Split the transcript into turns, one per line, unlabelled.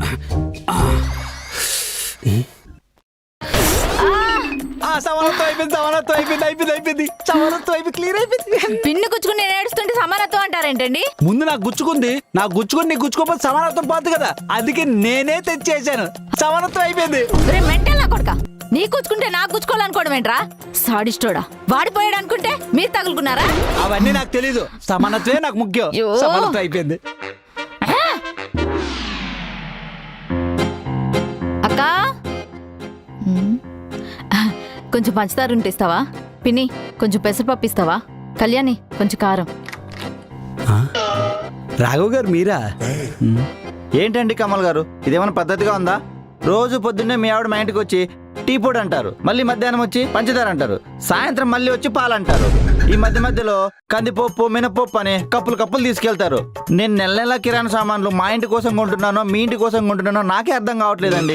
Pin గుచ్చుకుని నేను ఏడుస్తుంటే సమానత్వం అంటారేంటండి?
ముందు నాకు గుచ్చుకుంది, నాకు గుచ్చుకుని నీకు గుచ్చుకోకపోతే సమానత్వం పోతుంది కదా, అందుకే నేనే తెచ్చేసాను. సమానత్వం అయిపోయింది.
మెంటల్ నా కొడుక, నీ గుచ్చుకుంటే నాకు గుచ్చుకోవాలనుకోవడం ఏంట్రా? సాడిస్టోడా, వాడిపోయాడు అనుకుంటే మీరు తగులుకున్నారా?
అవన్నీ నాకు తెలీదు, సమానత్వమే నాకు ముఖ్యం.
అయ్యో.
సమానత్వం అయిపోయింది.
అక్క కొంచెం పంచదార ఉంటే ఇస్తావా? పిన్ని కొంచెం పెసరపప్పు ఇస్తావా? కళ్యాణి కొంచెం కారం.
రాఘవ్ గారు మీరా?
ఏంటండి కమల్ గారు, ఇదేమైనా పద్ధతిగా ఉందా? రోజు పొద్దున్నే మీ ఆవిడ మా ఇంటికి వచ్చి టీ పొడి అంటారు, మళ్ళీ మధ్యాహ్నం వచ్చి పంచదార అంటారు, సాయంత్రం మళ్ళీ వచ్చి పాలు అంటారు. ఈ మధ్యలో కందిపప్పు మినపప్పు అని కప్పులు తీసుకెళ్తారు. నేను నెల నెలా కిరాణా సామాన్లు మా ఇంటి కోసం కొంటున్నానో మీ ఇంటి కోసం కొంటున్నానో నాకే అర్థం కావట్లేదండి.